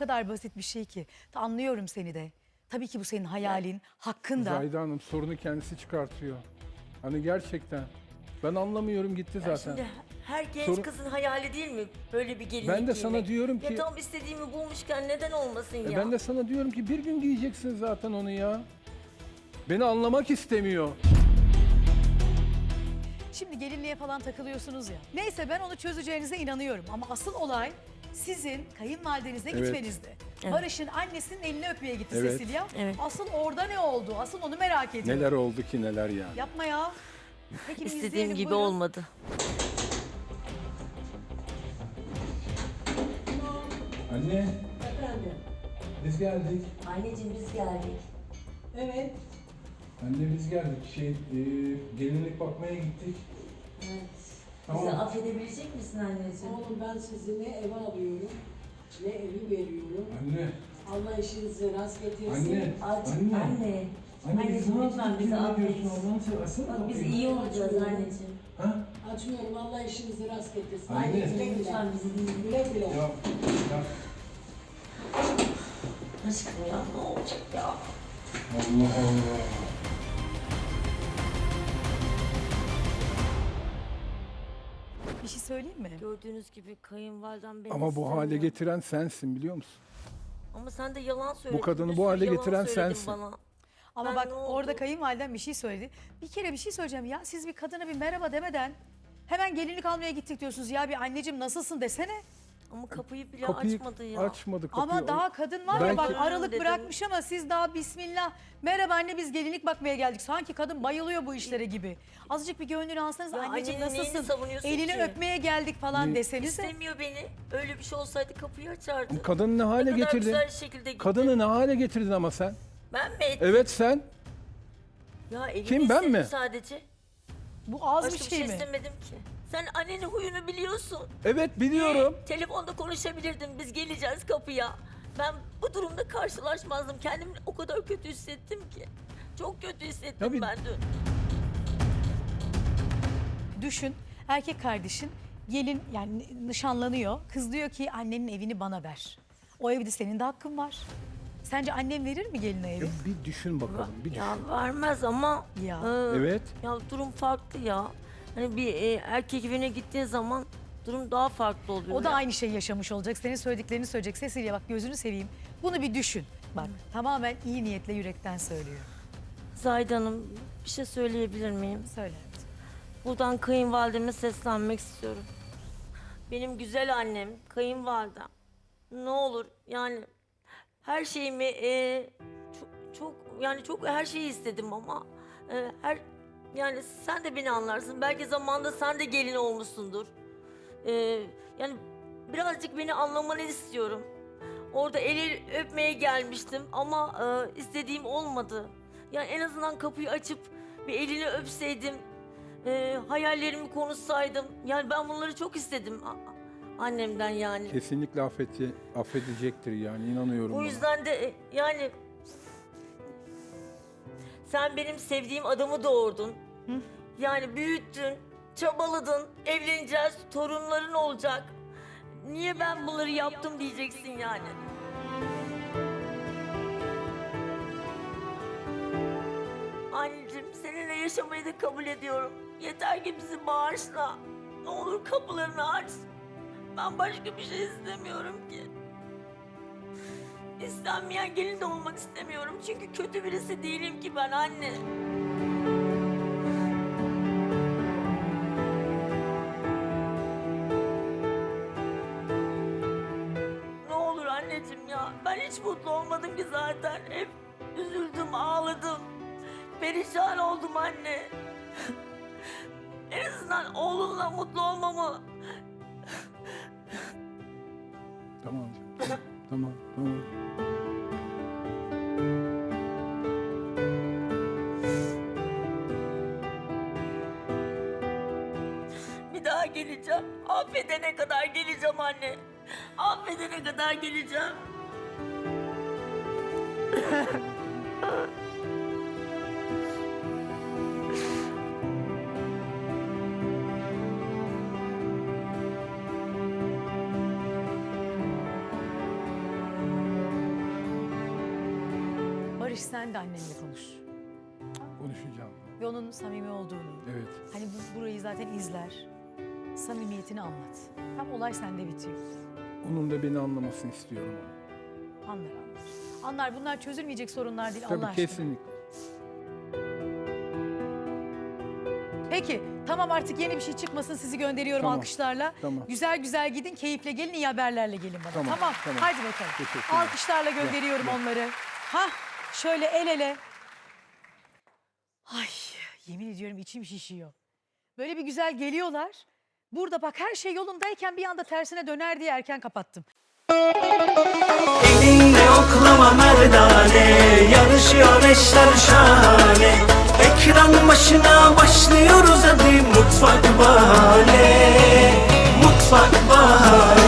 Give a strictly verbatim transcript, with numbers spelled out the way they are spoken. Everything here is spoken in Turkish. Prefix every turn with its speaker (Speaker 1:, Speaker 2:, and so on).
Speaker 1: kadar basit bir şey ki. Anlıyorum seni de. Tabii ki bu senin hayalin, hakkın da.
Speaker 2: Zahide Hanım sorunu kendisi çıkartıyor. Hani gerçekten. Ben anlamıyorum gitti
Speaker 3: Ya
Speaker 2: zaten.
Speaker 3: şimdi her genç
Speaker 2: Sorun-
Speaker 3: kızın hayali değil mi böyle bir gelinlik
Speaker 2: Ben de sana
Speaker 3: giymek?
Speaker 2: diyorum ki-
Speaker 3: Ya tam istediğimi bulmuşken neden olmasın
Speaker 2: E
Speaker 3: ya?
Speaker 2: ben de sana diyorum ki bir gün giyeceksin zaten onu ya. Beni anlamak istemiyor.
Speaker 1: Şimdi gelinliğe falan takılıyorsunuz ya. Neyse ben onu çözeceğinize inanıyorum. Ama asıl olay sizin kayınvalidenize
Speaker 2: Evet.
Speaker 1: gitmenizde.
Speaker 3: Evet.
Speaker 1: Barış'ın annesinin elini öpmeye gitti
Speaker 2: Evet.
Speaker 1: Cecilia.
Speaker 3: Evet.
Speaker 1: Asıl orada ne oldu? Asıl onu merak ediyorum.
Speaker 2: Neler oldu ki neler ya.
Speaker 1: Yapma ya. Peki bir
Speaker 3: İstediğim
Speaker 1: izleyelim,
Speaker 3: gibi
Speaker 1: buyurun.
Speaker 3: olmadı.
Speaker 2: Anne
Speaker 4: Efendim?
Speaker 2: biz geldik.
Speaker 3: Anneciğim biz geldik.
Speaker 4: Evet.
Speaker 2: Anne biz geldik. Şey e, gelinlik bakmaya gittik.
Speaker 3: Evet.
Speaker 2: Tamam.
Speaker 3: Bizi affedebilecek misin anneciğim?
Speaker 4: Oğlum ben sizi ne eve alıyorum, ne evi veriyorum.
Speaker 2: Anne.
Speaker 4: Allah işinizi rast getirsin.
Speaker 2: Anne.
Speaker 3: Aç,
Speaker 2: Anne.
Speaker 3: anne.
Speaker 2: Anne biz
Speaker 3: Anneciğim
Speaker 2: ne
Speaker 3: lütfen
Speaker 2: yaptık?
Speaker 3: bizi
Speaker 2: Ne
Speaker 3: affet.
Speaker 2: diyorsun Allah'ını seversen?
Speaker 3: Bak biz
Speaker 2: bakayım.
Speaker 3: iyi olacağız
Speaker 4: Açmıyorum.
Speaker 3: anneciğim.
Speaker 2: Ha?
Speaker 4: Açmıyorum. Allah işinizi rast getirsin.
Speaker 2: Anne.
Speaker 4: Güle güle.
Speaker 3: Lütfen bizi dinle.
Speaker 4: Güle güle.
Speaker 2: Ya. Ya.
Speaker 3: Aşkım ya ne olacak ya?
Speaker 2: Allah Allah.
Speaker 1: Bir şey söyleyeyim mi?
Speaker 3: Gördüğünüz gibi kayınvalidem beni
Speaker 2: Ama bu
Speaker 3: istemiyor.
Speaker 2: hale getiren sensin biliyor musun?
Speaker 3: Ama sen de yalan söyledin.
Speaker 2: kadını
Speaker 3: Bir
Speaker 2: bu
Speaker 3: sürü
Speaker 2: hale
Speaker 3: yalan
Speaker 2: getiren
Speaker 3: söyledin
Speaker 2: sensin.
Speaker 3: Bana.
Speaker 1: Ama
Speaker 3: Ben
Speaker 1: bak
Speaker 3: ne oldu?
Speaker 1: orada kayınvaliden bir şey söyledi. Bir kere bir şey söyleyeceğim ya. Siz bir kadına bir merhaba demeden hemen gelinlik almaya gittik diyorsunuz. Ya bir anneciğim nasılsın desene.
Speaker 3: Ama kapıyı bile
Speaker 2: Kapıyı
Speaker 3: açmadı ya.
Speaker 2: açmadı kapıyı.
Speaker 1: Ama daha kadın var ya
Speaker 2: Belki-
Speaker 1: bak aralık
Speaker 3: Dedim.
Speaker 1: bırakmış ama siz daha bismillah. Merhaba anne biz gelinlik bakmaya geldik. Sanki kadın bayılıyor bu işlere gibi. Azıcık bir gönlünü alsanız
Speaker 3: Ya
Speaker 1: anneciğim
Speaker 3: annenin neyini
Speaker 1: nasılsın?
Speaker 3: savunuyorsun
Speaker 1: Elini
Speaker 3: ki?
Speaker 1: öpmeye geldik falan
Speaker 2: Ne?
Speaker 1: desenize.
Speaker 3: İstemiyor beni. Öyle bir şey olsaydı kapıyı açardı.
Speaker 2: Kadını ne hale
Speaker 3: Ne kadar
Speaker 2: getirdin?
Speaker 3: güzel şekilde gitti.
Speaker 2: Kadını ne hale getirdin ama sen?
Speaker 3: Ben mi ettim?
Speaker 2: Evet sen.
Speaker 3: Ya elini
Speaker 2: Kim, ben
Speaker 3: istedim
Speaker 2: mi?
Speaker 3: sadece.
Speaker 1: Bu az
Speaker 3: Başka
Speaker 1: bir
Speaker 3: bir
Speaker 1: şey
Speaker 3: şey
Speaker 1: mi?
Speaker 3: istemedim ki. Sen annenin huyunu biliyorsun.
Speaker 2: Evet biliyorum.
Speaker 3: Ee, telefonda konuşabilirdim. Biz geleceğiz kapıya. Ben bu durumda karşılaşmazdım. Kendimi o kadar kötü hissettim ki. Çok kötü hissettim
Speaker 2: Ya bir-
Speaker 3: ben dün.
Speaker 1: Düşün erkek kardeşin gelin yani nişanlanıyor. Kız diyor ki annenin evini bana ver. O evde senin de hakkın var. Sence annem verir mi geline evi?
Speaker 2: Ya bir düşün bakalım. Bir düşün.
Speaker 3: Ya vermez ama
Speaker 1: Ya.
Speaker 3: e,
Speaker 2: Evet.
Speaker 3: ya durum farklı ya. Hani bir e, erkek evine gittiğin zaman durum daha farklı oluyor.
Speaker 1: O da
Speaker 3: ya.
Speaker 1: aynı şeyi yaşamış olacak. Senin söylediklerini söyleyecek. Cecilia bak gözünü seveyim. Bunu bir düşün. Bak tamamen iyi niyetle yürekten söylüyor.
Speaker 3: Zahide Hanım bir şey söyleyebilir miyim?
Speaker 1: Söyle.
Speaker 3: Buradan kayınvalideme seslenmek istiyorum. Benim güzel annem, kayınvalidem. Ne olur yani her şeyimi e, çok, çok yani çok her şeyi istedim ama e, her yani sen de beni anlarsın. Belki zamanında sen de gelin olmuşsundur. E, yani birazcık beni anlamanı istiyorum. Orada eli öpmeye gelmiştim ama e, istediğim olmadı. Yani en azından kapıyı açıp bir elini öpseydim. Ee, hayallerimi konuşsaydım. Yani ben bunları çok istedim a- annemden yani.
Speaker 2: Kesinlikle affeti, affedecektir yani inanıyorum.
Speaker 3: O
Speaker 2: buna.
Speaker 3: yüzden de e, yani sen benim sevdiğim adamı doğurdun. Yani büyüttün, çabaladın, evleneceğiz, torunların olacak. Niye ben bunları yaptım diyeceksin yani. Anneciğim seninle yaşamayı da kabul ediyorum. Yeter ki bizi bağışla. Ne olur kapılarını aç. Ben başka bir şey istemiyorum ki. İstenmeyen gelin de olmak istemiyorum. Çünkü kötü birisi değilim ki ben anne. Ne olur anneciğim ya. Ben hiç mutlu olmadım ki zaten. Hep üzüldüm, ağladım. Perişan oldum anne. En azından oğlunla mutlu olmamı.
Speaker 2: Tamam. Tamam. Tamam.
Speaker 3: Bir daha geleceğim. Affedene kadar geleceğim anne. Affedene kadar geleceğim.
Speaker 1: Barış sen de annenle konuş.
Speaker 2: Konuşacağım.
Speaker 1: Ve onun samimi olduğunu,
Speaker 2: Evet.
Speaker 1: hani bu, burayı zaten izler. Samimiyetini anlat. Tam olay sende bitiyor.
Speaker 2: Onun da beni anlamasını istiyorum.
Speaker 1: Anlar anlar. Anlar, bunlar çözülmeyecek sorunlar değil
Speaker 2: Tabii
Speaker 1: Allah aşkına.
Speaker 2: kesinlikle.
Speaker 1: Peki tamam, artık yeni bir şey çıkmasın, sizi gönderiyorum
Speaker 2: Tamam,
Speaker 1: alkışlarla.
Speaker 2: tamam.
Speaker 1: Güzel güzel gidin, keyifle gelin, iyi haberlerle gelin bana. Tamam,
Speaker 2: Tamam, tamam.
Speaker 1: hadi bakalım.
Speaker 2: Teşekkürler.
Speaker 1: Alkışlarla gönderiyorum
Speaker 2: Gel, gel.
Speaker 1: onları. Hah, şöyle el ele. Ay, yemin ediyorum içim şişiyor. Böyle bir güzel geliyorlar. Burada bak her şey yolundayken bir anda tersine döner diye erken kapattım.
Speaker 5: Elinle oklama merdane, yarışıyor eşler şahane. Ekran başına başlıyoruz hadi, mutfak bahane, mutfak bahane.